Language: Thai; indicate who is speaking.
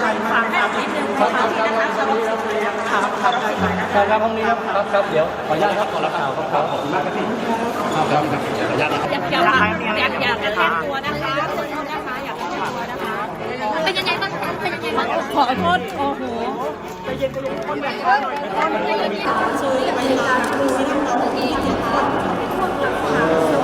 Speaker 1: ฝากให้นิดนึงนะคะครับครับ
Speaker 2: ครับห้องนี้ครับเดี๋ยวขออนุญาตครับขอรับข่าวครับขอบคุณมากครับพี่ครับขออนุญาตนะครับ
Speaker 1: อยากจะแทนตัวนะคะคนนะคะอยากจะแทนตัวนะคะเป็นยังไงบ้างคะเป็นยังไงบ้างขอโทษโอ้โหใจเย็นคนแบบนี้หน่อยช่วยบรรยากาศดูสิน้ำตาตัวเองนะคะ